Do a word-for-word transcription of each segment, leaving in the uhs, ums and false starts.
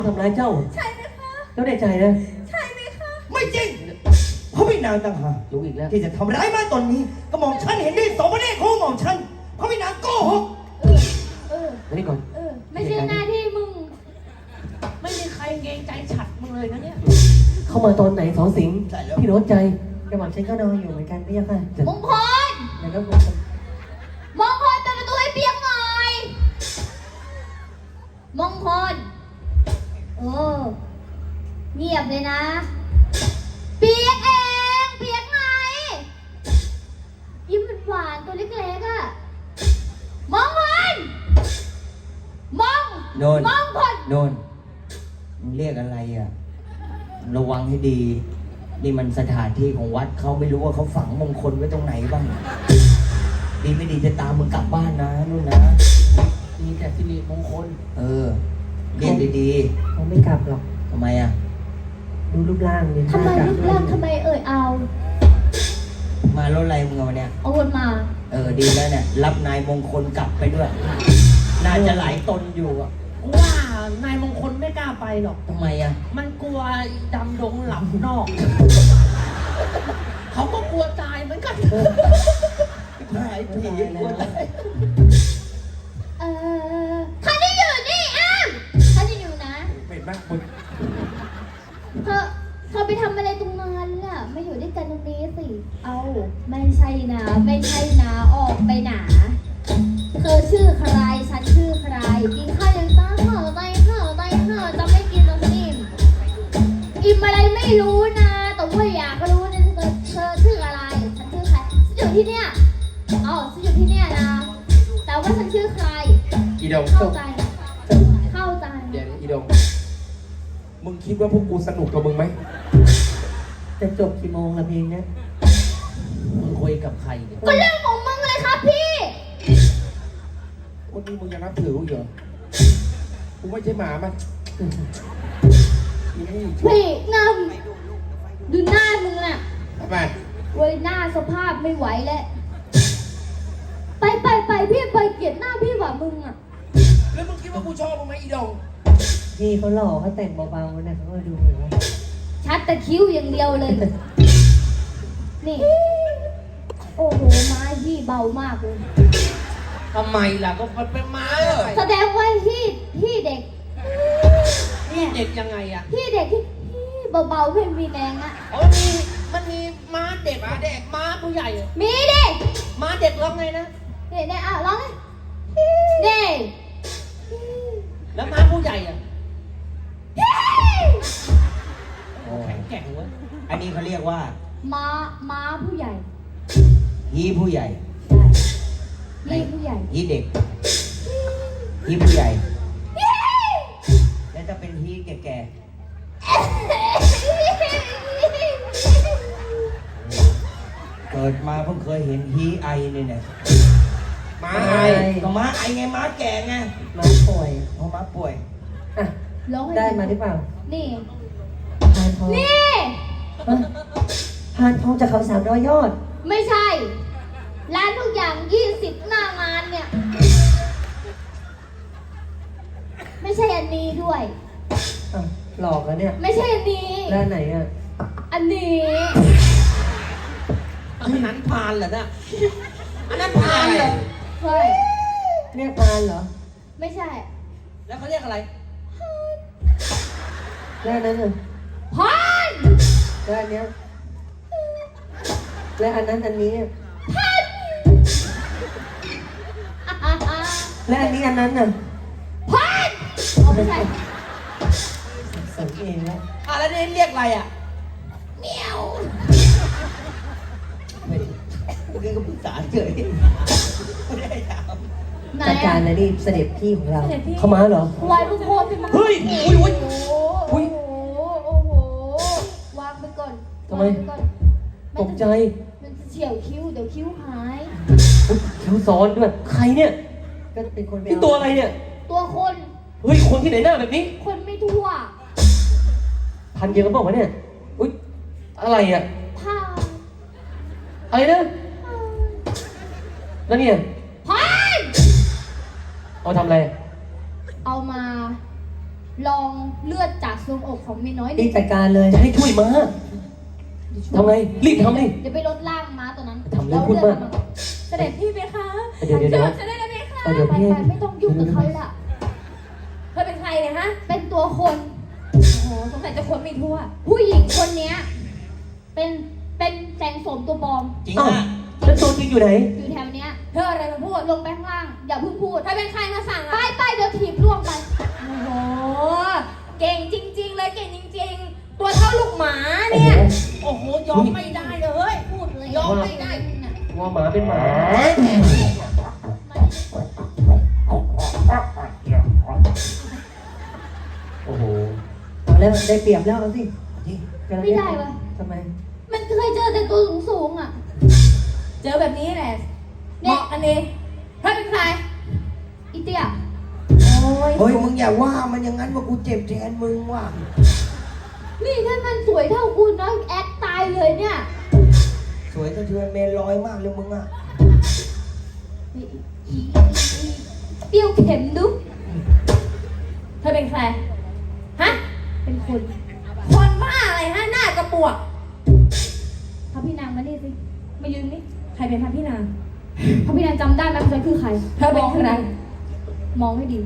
ทำร้ายเจ้าใช่ไหมคะเจ้าได้ใจนะใช่ไหมคะไม่จริงเพราะไม่นางต่างหากรู้อีกแล้วที่จะทำร้ายมาตอนนี้ก็มองฉันเห็นด้วยสองประเด็นของมองฉันเพราะไม่นางโกหกเออเออมานี่ก่อนเออไม่ใช่หน้าที่มึงไม่มีใครเกรงใจฉัดมึงเลยนะเนี่ยเข้ามาตอนไหนสองสิงห์พี่โน้ตใจกระหม่อมฉันก็นอนอยู่เหมือนกันพี่ยักษ์ค่ะมงคลแล้วก็มงคลเปิดประตูให้เปียกหน่อยมงคลโอ้เงียบเลยนะเปียกเองเปียกไงยิ้มหวานตัวเล็กๆอ่ะมองคนมองโนนมองคนโนนมึงเรียกอะไรอ่ะระวังให้ดีนี่มันสถานที่ของวัดเขาไม่รู้ว่าเขาฝังมงคลไว้ตรงไหนบ้างดีไม่ดีจะตามมึงกลับบ้านนะนู่นนะมีแต่สิริมงคลเออเรียกดีๆเขาไม่กลับหรอกทำไมอ่ะดูรูปร่างเนี่ยทำไมรูปร่างทำไมเอ่ยเอามารถอะไรมึงเอาเนี่ยเอาวนมาเออดีแล้วเนี่ยรับนายมงคลกลับไปด้วยน่าจะหลายตนอยู่อ่ะว่านายมงคลไม่กล้าไปหรอกทำไมอ่ะมันกลัวดำดงหลับนอกเขาก็กลัวตายเหมือนกันตายผีกลัวตายเออท่านที่อยู่นี่อ้ามท่านที่อยู่นะเป็นมากมึงเธอเธอไปทำอะไรตรงนั้นล่ะไม่อยู่ด้วยกันตรงนี้สิเอาไม่ใช่นะไม่ใช่นะออกไปหนาเธอชื่อใครฉันชื่อใครกินข้าวยังต้าข้าวไตข้าวไตข้าวจะไม่กินตรงนี้อิ่มอะไรไม่รู้นะแต่ว่าอยากรู้นะเธอเธอชื่ออะไรฉันชื่อใครฉันอยู่ที่เนี่ยอ๋อฉันอยู่ที่เนี่ยนะแต่ว่าฉันชื่อใครอีดงเข้าใจเข้าใจเดี๋ยวอีดงมึงคิดว่าพวกกูสนุกกับมึงไหมจะจบกี่โมงละเพลงเนี้ยมึงคุยกับใครเนี่ยก็เรื่องของมึงเลยครับพี่วันนี้มึงยังนับถือกูเหรอกูไม่ใช่หมามันพี่นำดูหน้ามึงน่ะทำไมเว้ยหน้าสภาพไม่ไหวแล้วไปไปไปพี่ไปเกลียดหน้าพี่ว่ะมึงอ่ะแล้วมึงคิดว่ากูชอบมึงไหมอีดงพี่เขาหล่อเขาแต่งเบาๆนะเขาก็ดูเหมือนว่าชัดแต่คิ้วอย่างเดียวเลยนี่โอ้โหไม้พี่เบามากเลยทำไมล่ะก็มันเป็นม้าแสดงว่าพี่พี่เด็กเนี่ยเด็กยังไงอ่ะพี่เด็กที่พี่เบาๆเพ่นมีแดงอ่ะอ๋อมีมันมีม้าเด็กม้าเด็กม้าผู้ใหญ่มีดิม้าเด็กร้องไงนะเด็กๆอ่ะร้องไงเด็กแล้วม้าผู้ใหญ่อ่ะแข็งแกร่งเว้ยอันนี้เขาเรียกว่าม้าม้าผู้ใหญ่ฮีผู้ใหญ่ฮีผู้ใหญ่ฮีเด็กฮีผู้ใหญ่แล้วจะเป็นฮีแก่ๆเกิดมาเพิ่งเคยเห็นฮีไอเนี่ยเนี่ยม้าไอก็ม้าไอไงม้าแก่ไงม้าป่วยเพราะม้าป่วยอ่ะได้มาหรือเปล่านี่พานทองนี่พานทองจากเขาสามร้อยยอดไม่ใช่ร้านทุกอย่างยี่สิบหน้างานเนี่ยไม่ใช่อันนี้ด้วยอ่ะหลอกแล้วเนี่ยไม่ใช่อันนี้แล้วไหนอ่ะอันนี้อันนั้นพานเหรอเนี่ยอันนั้นพานเหรอใช่เรียกพานเหรอไม่ใช่แล้วเขาเรียกอะไรแล้วนั้นอ่ะพานแล้วอันเนี้ยและอันนั้นอันนี้และอันนี้อันนั้นน่ะพันเอาไม่ใช่สังเกตแล้วอ่ะแล้วนี่เรียกอะไรอ่ะเมียวเมื่อกี้ก็ปรึกษาเฉยไม่ได้ถามจัดการนะนี่เสด็จพี่ของเราเข้ามาเหรอวายลูกโคตรเฮ้ยอุ้ยอุ้ยโอ้โหวางไปก่อนทำไมตกใจมันจะเฉียวคิ้วเดี๋ยวคิ้วหายคิ้วซ้อนด้วยใครเนี่ยก็เป็นคนนี่ตัวอะไรเนี่ยตัวคนเฮ้ยคนที่ไหนหน้าแบบนี้คนไม่ทั่วพันเดียวกันบอกว่าเนี่ยอุ้ยอะไรอ่ะผ้าอะไรนะแล้วเนี่ยพันเอาทำอะไรเอามาลองเลือดจากทรวงอกของเมียน้อยรีดิบจัดการเลยให้ช่วยม้าทำไงรีบทำเลยเดี๋ยวไปลดล่างม้าตัวนั้นทำเรื่องพูดมากเสด็จพี่ไหมคะเดี๋ยวเดี๋ยวเดี๋ยวจะได้แล้วไหมคะเออเดี๋ยวไปพี่ไปไม่ต้องยุ่งกับเขาละเธอเป็นใครเนี่ยฮะเป็นตัวคนโอ้โหสงสัยจะคนไม่ทั่วผู้หญิงคนเนี้ยเป็นเป็นแสงโสมตัวปลอมจริงอ้าวอ่ะแล้วตัวจริงอยู่ไหนอยู่แถวเนี้ยเธออะไรมาพูดลงไปข้างล่างอย่าเพิ่งพูดเธอเป็นใครมาสั่งไปอ่ะไปเดี๋ยวถีบล่วงไปโอ้โห เก่งจริง ๆ เลยเก่งจริง ๆ ตัวเท่าลูกหมาเนี่ยโอ้โห ยอมไม่ได้เลยพูดเลยยอมไม่ได้ว่าหมาเป็นหมาโอ้โหเอาแล้วได้เปรียบแล้วเอาสิที่ไม่ได้วะทำไมมันเคยเจอแต่ตัวสูงสูงๆอ่ะเจอแบบนี้แหละเหมาะกันเองเธอเป็นใครอีเตี้ยโอ้ยเฮ้ยมึงอย่าว่ามันอย่างนั้นว่ากูเจ็บแทนมึงว่ะนี่ถ้ามันสวยเท่าคุณนะแอดตายเลยเนี่ยสวยสะเทือนเมนลอยมากเลยมึงอ่ะอีอีอีเปรี้ยวเข็มดุเธอเป็นใคร ฮะเป็นคนคนบ้าอะไรฮะ หน้ากระปวกพระพี่นางมานี่สิมายืนนี่ใครเป็นพระพี่นางพระพี่นางจำได้ไหมว่าฉันคือใครเธอเป็นใครมองให้ดี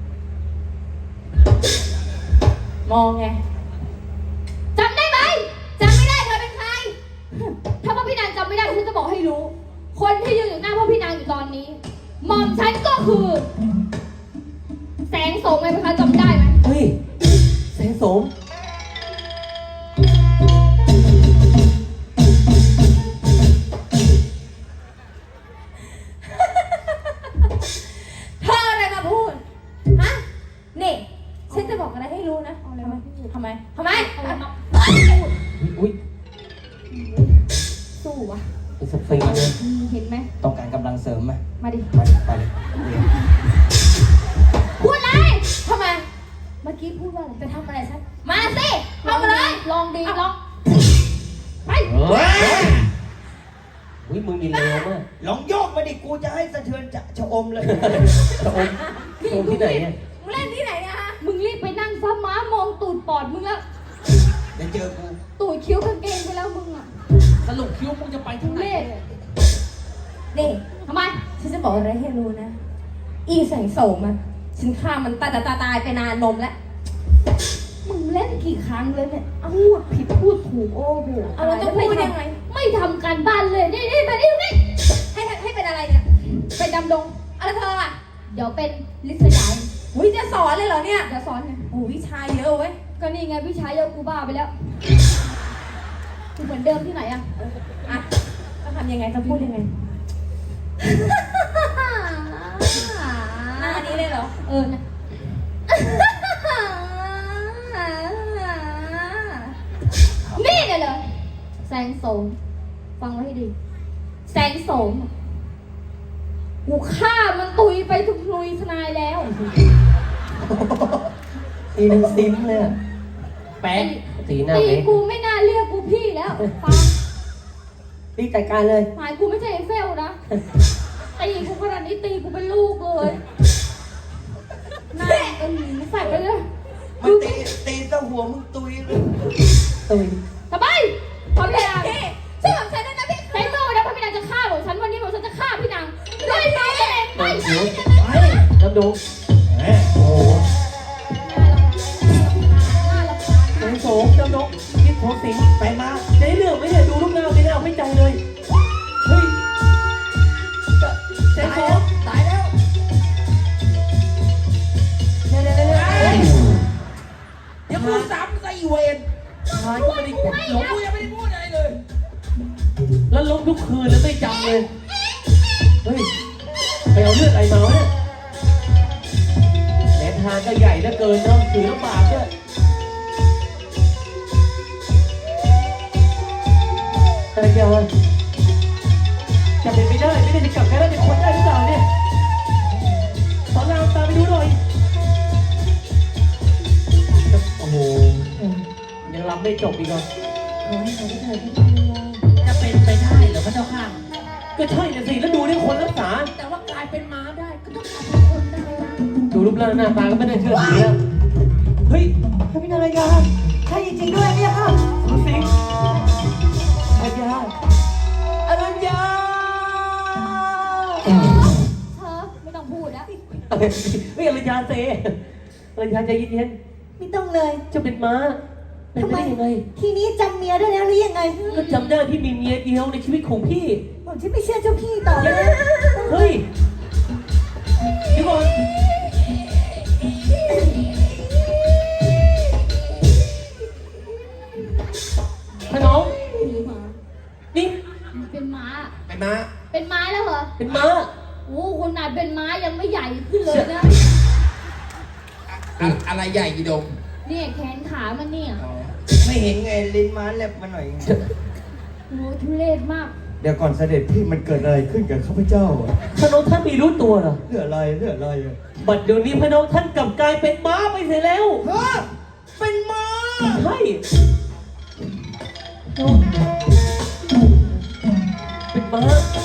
มองไงจำได้ไหมจำไม่ได้เธอเป็นใคร ถ้าพระพี่นางจำไม่ได้ฉันจะบอกให้รู้ คนที่ยืนอยู่หน้าพระพี่นางอยู่ตอนนี้หม่อมฉันก็คือ แสงโสมไงพี่คะจำได้ไหมเฮ้ยแสงโสมเธออะไรมาพูด ฮะ นี่ ฉันจะบอกอะไรให้รู้นะทำไมทำไมทำไมเอามาอุ้ยสู้วะเป็นสฟิงค์เลยอืมเห็นไหมต้องการกำลังเสริมไหมมาดิมาดิไปเลยพูดอะไรทำไมเมื่อกี้พูดว่าอะไรจะทำอะไรฉัน มาสิเข้ามาเลยลองดีลองไปเฮ้ยอุ้ยมึงยินเร็วมากลองโยกมาดิกูจะให้สะเทือนจะชะอมเลยตะอมตะอมที่ไหนเนี่ยมึงเล่นที่ไหนเนี่ยฮะมึงรีบไปนั่งซ้ำม้ามองตูดปอดมึงแล้วเดี๋ยวเจอกูตูดคิ้วกางเกงไปแล้วมึงอ่ะสรุปคิ้วมึงจะไปทุที่ไหนเรศนี่ทำไมฉันจะบอกอะไรให้รู้นะ อีแสงโสมอะฉันฆ่ามันตายตายตายตายไปนานนมแล้วมึงเล่นกี่ครั้งเลยเนี่ยเอาพูดผิดพูดถูกโอ้โหเอาแล้วจะพูดยังไงไม่ทำการบ้านเลยนี่นี่มานี่นี่ให้ให้เป็นอะไรเนี่ยไปดำดงอะไรเธออะเดี๋ยวเป็นลิศยายอุ้ยจะสอนเลยเหรอเนี่ยเดี๋ยวสอนไงโอ้วิชาเยอะเว้ยก็นี่ไงวิชาเยอะกูบ้าไปแล้วกูเหมือนเดิมที่ไหนอะอ่ะจะทำยังไงจะพูดยังไง หน้านี้เลยเหรอเออนะ นี่เลยเหรอแสงโสมฟังไว้ให้ดี แสงโสมกูฆ่ามันตุยไปทุกนุยทนายแล้วตีหนึ่งซิมเลยอะแป๊กตีหน้าตีเล็กกูไม่น่าเรียกกูพี่แล้วฟังรีบจัดการเลยหมายกูไม่ใช่ไอ้เฟลนะ ตีกูขนาดนี้ตีกูเป็นลูกเลยหน้าก็หนีใส่ไปเลยมันตีตีซะหัวมึงตุยเลยตุยทำไมพร้อมยังพี่ช่วยผมใช้ด้วยนะพี่ใช้มือนะเพราะพี่นางจะฆ่าผมฉันวันนี้ผมฉันจะฆ่าพี่นางด้วยมือเองไม่เดี๋ใช่ยวไปน้ำดูโอ้โหแสงโสมน้ำดูคิดโทษสิงไปมาในเรื่องไม่ได้ดูลูกหน้าไม่ได้เอาไม่ใจเลย เฮ้ยแสงตายโสแล้วมตายแล้วเดี๋ยวเดี๋ยวเดี๋ยวเดี๋ยวเฮ้ยเดี๋ยวกูซ้ำซะอีเวนหายก็ไม่ได้เก็บหลงกูยังไม่ได้พูดอะไรเลยแล้วล้มทุกคืนแล้วไม่จำเลย เฮ้ย ไปเอาเลือดอะไรมาวะเนี่ยแหลมทางก็ใหญ่เหลือเกินเนาะถือลำบากด้วยแต่เดียวจะเป็นไปได้ไม่ได้จะกลับกันแล้วเป็นคนได้หรือเปล่าเนี่ยสอนรามตามไปดูหน่อย โอ้โห ยังรำไม่จบอีกเหรอจะเป็นไปได้เหรอพระเจ้าค่ะก็ใช่นะสิ แล้วดูนี่คนรักษาแต่ว่ากลายเป็นม้าได้ ก็ต้องกลายเป็นคนได้นะดูรูปร่างหน้าตาก็ไม่ได้เชื่อถือแล้วเฮ้ยพระพินารายาใช่จริงๆด้วยเนี่ยค่ะสุสิงอรัญญาอรัญญาเธอไม่ต้องพูดแล้วเฮ้ยอรัญญาเซอรัญญาใจเย็นไม่ต้องเลยๆจะเป็นม้าเป็นทำไปไมได้ยังไงทีนี้จำเมียได้แล้วหรือยังไงก็จำได้ที่มีเมียเดียวในชีวิตของพี่ผมฉันไม่เชื่อเจ้าพี่ต่อเลยนะเฮ้ยเดี๋ยวก่อนพน้องหรือหมานี่เป็นม้าเป็นม้าเป็นม้าแล้วเหรอเป็นม้าโอ้คนนาดเป็นม้ายังไม่ใหญ่ขึ้นเลยนะอะอะไรใหญ่กี่ดงเนี่ยแขนขามันเนี่ยไม่เห็นไงลิ้นม้าแลบมาหน่อยโอ้ทุเรศมากเดี๋ยวก่อนเสด็จพี่มันเกิดอะไรขึ้นกับข้าพเจ้าอะพน้องท่านมีรู้ตัวเหรอเรื่องอะไรเรื่องอะไรอะบัดเดี๋ยวนี้พน้องท่านกลับกลายเป็นม้าไปเสียแล้วฮะเป็นม้าใช่เป็นม้า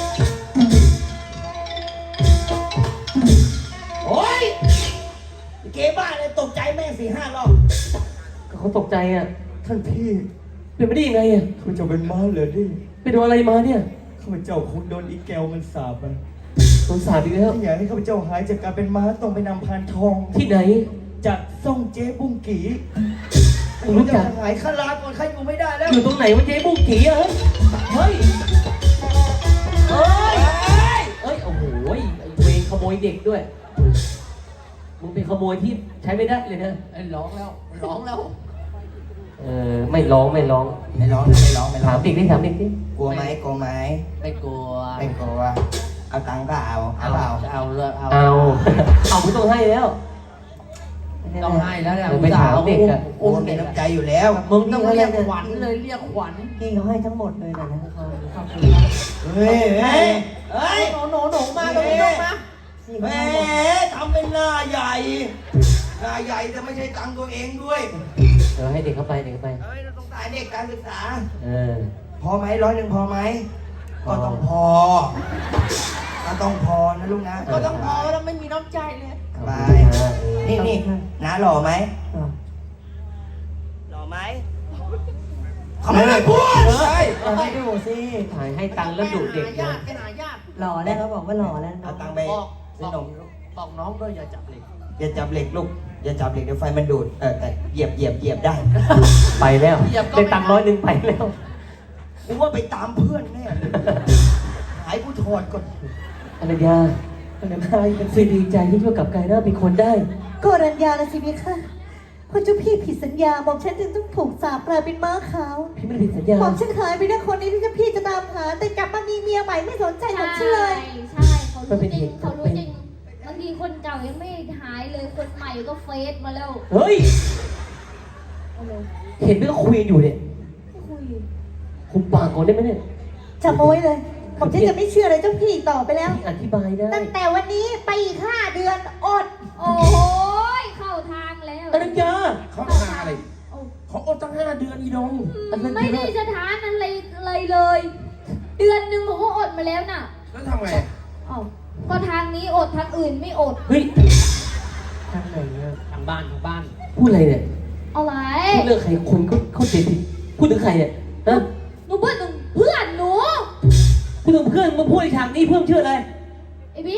โอ้ยเก๋บ้าเลยตกใจแม่สี่ห้ารอบก็เขาตกใจอ่ะท่านพี่เป็นไปได้ยังไงอ่ะข้าพเจ้าเป็นม้าเหรอดิไปโดนอะไรมาเนี่ยข้าพเจ้าคงโดนอีแกวมันสาบอะโดนสาบอีกแล้วถ้าอยากให้ข้าพเจ้าหายจากการเป็นม้าต้องไปนำพานทองที่ไหนจากซ่องเจ๊บุ้งกีผมรู้จักหายข้าลาก่อนข้าอยู่ไม่ได้แล้วอยู่ตรงไหนวะเจ๊บุ้งกี่อะเฮ้ย เฮ้ย เฮ้ย เฮ้ย โอ้โหไอ้เวรขโมยเด็กด้วย มึงเป็นขโมยที่ใช้ไม่ได้เลยนะไอ้ร้องแล้วร้องแล้วเออ ไม่ร้องไม่ร้องไม่ร้องนะไม่ร้องไม่ร้ถาอมงเด็กดิถามเด็กดิกลัวไหมกลัวไหมไม่กลัวไม่กลัวเอาตังค์ก็เอาเอาเอาเปล่าเอาเลยเอาเอา เอาไม่ต้องให้แล้วต้องให้แล้วเนี่ยเออไปถามเด็กอะกลัวมีน้ำใจอยู่แล้วมึงต้ต้ออง งเรีเรียยกกขวัญเลยเรียกขวัญพี่เขาให้ทั้งหมดเลยนะนะเฮ้ยเฮ้ยเฮ้ยหนูหนูหนูมาตรงนี้ลูกนะพี่แหเขามให้หมดทำเป็นหน้าใหญ่ หน้าใหญ่แต่ไม่ใช่ตังค์ตัวเองด้วยเดี๋ยวให้เด็กเข้าไปเด็กเข้าไปเฮ้ยเราต้องตายเด็กการศึกษาเออพอไหมร้อยหนึ่งพอไหมพอก็ต้องพอ ก็ต้องพอนะลูกนะก็ต้องพอแล้วไม่มีน้ำใจเลยไปนี่นี่น้าหล่อไหมอ่ะหล่อไหมเขาไม่ได้พูดเลยเอาให้ดูสิถ่ายให้ตังค์แล้วดุเด็กญานะติไปหาญาติหล่อแล้วเขาบอกว่าหล่อแล้วน้เอาองตังค์ไปบอกซื้บออกนมบอกน้องด้วยอย่าจับเหล็กอย่าจับเหล็กลูก อย่าจับเหล็กเดี๋ยวไฟมันดูด เออแต่เหยียบเหยียบเหยียบได้ไปแล้วได้ตังค์ร้อยหนึ่งไปแล้วกูว่าไปตามเพื่อนแน่เลยหายกูถอดก่อนอรัญญาอรัญญาเป็นสิ่งดีใจที่ช่วยกลับกลายหน้าเป็นคนได้ก็รัญญาละสิพี่ค่ะเพราะเจ้าพี่ผิดสัญญาบอกฉันจึงต้องถูกสาปกลายเป็นม้าขาวพี่ไม่ได้ผิดสัญญาบอกฉันหายไปนะคนนี้ที่เจ้าพี่จะตามหา แต่กลับมามีเมียใหม่ไม่สนใจหรอกฉันเลยใช่เขารู้จริงเขารู้จริงบางทีคนเก่ายังไม่หายเลยคนใหม่ก็เฟซมาแล้วเฮ้ยเอาเลยเห็นไหมก็คุยกันอยู่เนี่ยไม่คุยคุมปากก่อนได้ไหมเนี่ยจำเอาไว้เลยผมฉันจะไม่เชื่ออะไรเจ้าพี่อีกต่อไปแล้วพี่อธิบายได้ตั้งแต่วันนี้ไปอีกห้าเดือนอดโอ้ยเข้าทางแล้วอรัญญาเขาหาอะไรโอ้เขาอดตั้งห้าเดือนอีดงไม่ได้สถานอะไรเลยเลย เดือนหนึ่งผมก็อดมาแล้วน่ะแล้วทำไงเอ้าก็ทางนี้อดทางอื่นไม่อดเฮ้ยทางไหนอะทางบ้านทางบ้านพูดอะไรเนี่ยเอาไรพูดเรื่องใครคนเขาเขาเสียผิดพูดถึงใครเนี่ยฮะหนูเพื่อนหนูเพื่อนหนูพูดถึงเพื่อนมาพูดในฉากนี้เพื่อนชื่ออะไรไอ้บิ๊ก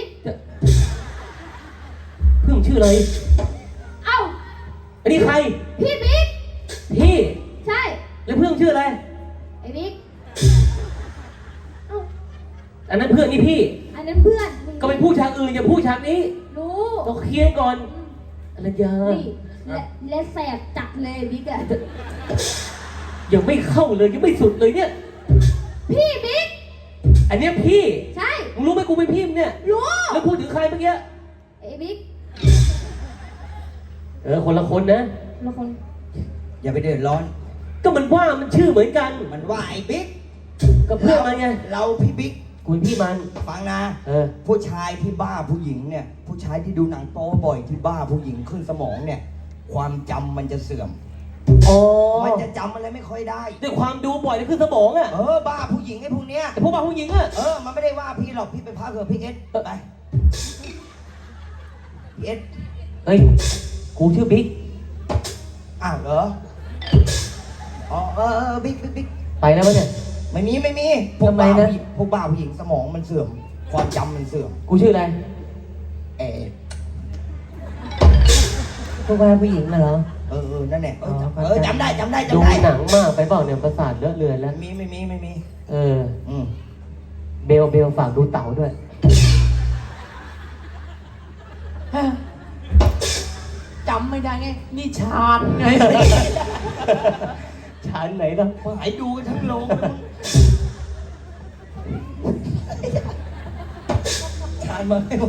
เพื่อนชื่ออะไรเอ้าอันนี้ใครพี่บิ๊กพี่ใช่แล้วเพื่อนชื่ออะไรไอ้บิ๊กเอ้าอันนั้นเพื่อนนี่พี่อันนั้นเพื่อนมึงก็ไปพูดฉากอื่นอย่าพูดฉากนี้รู้ต้องเคลียร์ก่อนอรัญญานี่และและแสบจัดเลยบิ๊กอะยังไม่เข้าเลยยังไม่สุดเลยเนี่ยพี่บิ๊กอันเนี้ยพี่ใช่มึงรู้ไหมกูเป็นพี่มึงเนี่ยรู้แล้วพูดถึงใครเมื่อกี้ไอ้บิ๊กเออคนละคนนะละคนอย่าไปเดือดร้อนก็มันว่ามันชื่อเหมือนกันมันว่าไอ้บิ๊กก็เพื่อนมันไงเราพี่บิ๊กกูเป็นพี่มันฟังนะเออผู้ชายที่บ้าผู้หญิงเนี่ย ผู้ชายที่ดูหนังโป๊บ่อยที่บ้าผู้หญิงขึ้นสมองเนี่ย ความจำมันจะเสื่อมอ๋อมันจะจำอะไรไม่ค่อยได้ด้วยความดูบ่อยนี่คือสมองอะเออบ้าผู้หญิงไอ้พวกเนี้ยแต่พวกบ้าผู้หญิงอะเออ มันไม่ได้ว่าพี่หรอก พี่ไปพักเถอะพี่เอสไปพี่เอสเฮ้ย กูชื่อบิ๊กอ้าวเหรออ๋อเออเออบิ๊กบิ๊กบิ๊กไปแล้วปะเนี่ยไม่มีไม่มีพวกทำไมบ้านะผู้หญิงพวกบ้าผู้หญิงสมองมันเสื่อม ความจำมันเสื่อมกูชื่ออะไรเออพวกแม่ผู้หญิงน่ะเหรอเออเออนั่นแหละเอออ๋อเออจำได้จำได้ดูจำได้หนังมากไปเปล่าเนี่ยประสาทเลอะเลือนแล้วไม่มีไม่มีไม่มีเอออืมเบลเบลฝากดูเต๋าด้วยจำไม่ได้ไงนี่ชาญไงชั้นไหนล่ะหายดูกันทั้งโรงชาญมาให้